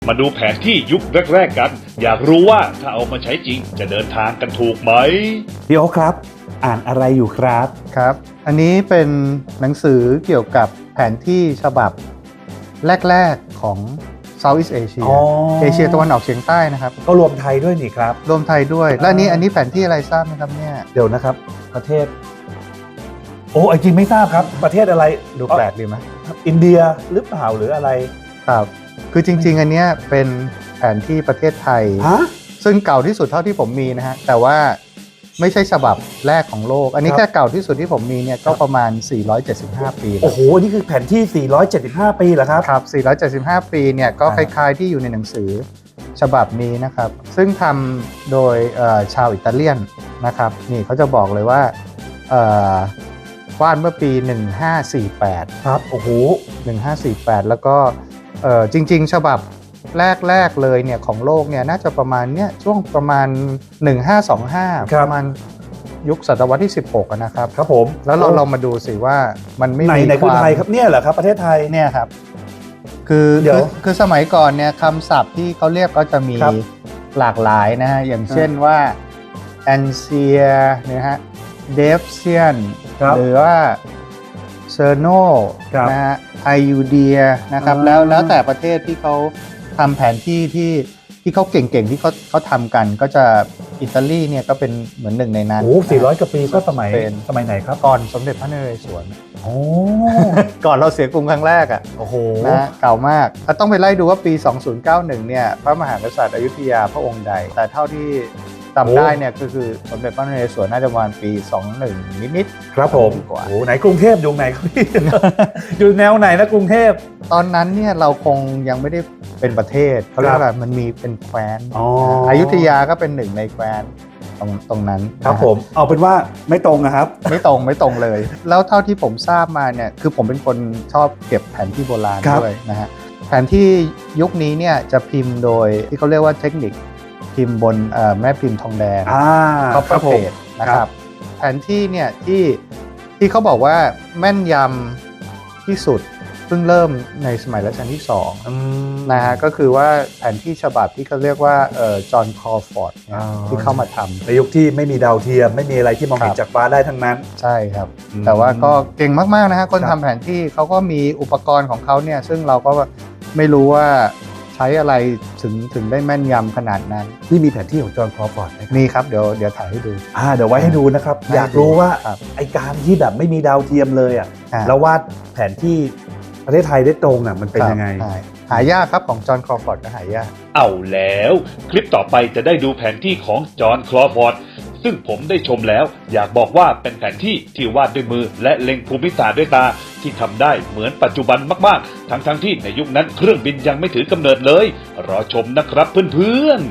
มาดูแผนที่ยุคแรกๆกัน อยากรู้ว่าถ้าเอามาใช้จริงจะเดินทางกันถูกไหมพี่โอ๊คครับ อ่านอะไรอยู่ครับครับ อันนี้เป็นหนังสือเกี่ยวกับแผนที่ฉบับแรกๆของ Southeast Asia อ๋อเอเชียตะวันออกเฉียงใต้นะครับก็รวมไทยด้วยนี่ครับรวมไทยด้วย และอันนี้แผนที่อะไรทราบไหมครับเนี่ยเดี๋ยวนะครับ ประเทศ โอ้จริงไม่ทราบครับ ประเทศอะไรดูแปลกดีไหมอินเดียหรือเปล่าหรืออะไรครับ คือจริงๆ อันเนี้ยเป็นแผนที่ประเทศไทยฮะซึ่งเก่าที่สุดเท่าที่ผมมีนะฮะ แต่ว่าไม่ใช่ฉบับแรกของโลก อันนี้ครับแค่เก่าที่สุดที่ผมมีเนี่ยก็ประมาณ 475 ปีโอ้โห นี่คือแผนที่ 475 ปีเหรอครับครับ 475 ปีเนี่ยก็คอ่าล้ายๆที่อยู่ในหนังสือฉบับนี้นะครับ ซึ่งทำโดยชาวอิตาเลียนนะครับ นี่เขาจะบอกเลยว่าวาดเมื่อปี 1548 ครับ โอ้โห 1548 แล้วก็จริงๆ ฉบับแรกๆเลยเนี่ยของโลกเนี่ยน่าจะประมาณเนี่ยช่วงประมาณ 1525 ครับประมาณยุคศตวรรษที่ 16อะนะครับครับผมแล้วเรามาดูสิว่ามันไม่ไหนมีไหนคคือวามไทยครับเนี่ยเหรอครับประเทศไทยเนี่ยครับคือเดี๋ยวคือสมัยก่อนเนี่ยคำศัพท์ที่เขาเรียกก็จะมีครับหลากหลายนะฮะอย่างเช่นว่า a n c i a นะฮะ d e f s i a n ครับหรือว่า c e r n o ครับนะฮะ i u d i a นะครับอ่าแล้วแต่ประเทศที่เขาทำแผนที่ที่เขาเก่งๆที่เขาทำกันก็จะอิตาลีเนี่ยก็เป็นเหมือนหนึ่งในนั้นโอ้400กว่าปีก็สมัยเป็นสมัยไหนครับก่อนสมเด็จพระนเรศวรโอ้ก่อนเราเสียกรุงครั้งแรกอ่ะโอ้โหนะเก่ามากต้องไปไล่ดูว่าปี 2091 เนี่ยพระมหากษัตริย์อยุธยาพระองค์ใด แต่เท่าที่จำได้เนี่ยก็คือสมเด็จพระนเรศวรน่าจะประมาณปี 21 นิดๆครับผมกว่าโอ้ไหนกรุงเทพอยู่ไหนครับพี่ อยู่แนวไหนนะกรุงเทพตอนนั้นเนี่ยเราคงยังไม่ได้เป็นประเทศเขาเรียกว่ามันมีเป็นแคว้นอ๋ออยุธยาก็เป็นหนึ่งในแคว้นตรงนั้นครับนะฮะผมเอาเป็นว่าไม่ตรงนะครับไม่ตรงเลย แล้วเท่าที่ผมทราบมาเนี่ยคือผมเป็นคนชอบเก็บแผนที่โบราณครับด้วยนะฮะแผนที่ยุคนี้เนี่ยจะพิมพ์โดยที่เขาเรียกว่าเทคนิคพิมพ์บนแม่พิมพ์ทองแดงค copper รับผม plate นะครับแผนที่เนี่ยที่เขาบอกว่าแม่นยำที่สุดเพิ่งเริ่มในสมัยรัชกาลที่2นะฮะก็คือว่าแผนที่ฉบับที่เขาเรียกว่าจอห์นคอร์ฟอร์ดที่เข้ามาทำในยุคที่ไม่มีดาวเทียมไม่มีอะไรที่มองเห็นจากฟ้าได้ทั้งนั้นใช่ครับอืมแต่ว่าก็เก่งมากๆนะฮะคนครัทำบแผนที่เขาก็มีอุปกรณ์ของเขาเนี่ยซึ่งเราก็ไม่รู้ว่าใช้อะไรถึงได้แม่นยำขนาดนั้นที่มีแผนที่ของจอห์นครอฟอร์ดนะครับมีครับเดี๋ยวถ่ายให้ดูเดี๋ยวไว้ให้ดูนะครับให้ดูอยากรู้ว่าครับไอการที่แบบไม่มีดาวเทียมเลยอ่ะ แล้ววาดแผนที่ประเทศไทยได้ตรงอ่ะมันเป็นยังไงใช่หายากครับของจอห์นครอฟอร์ดก็หายากเอาแล้วคลิปต่อไปจะได้ดูแผนที่ของจอห์นคลอฟอร์ดซึ่งผมได้ชมแล้วอยากบอกว่าเป็นแผนที่ที่วาดด้วยมือและเล็งภูมิศาสตร์ด้วยตาที่ทำได้เหมือนปัจจุบันมากๆทั้งที่ในยุคนั้นเครื่องบินยังไม่ถือกำเนิดเลยรอชมนะครับเพื่อนๆ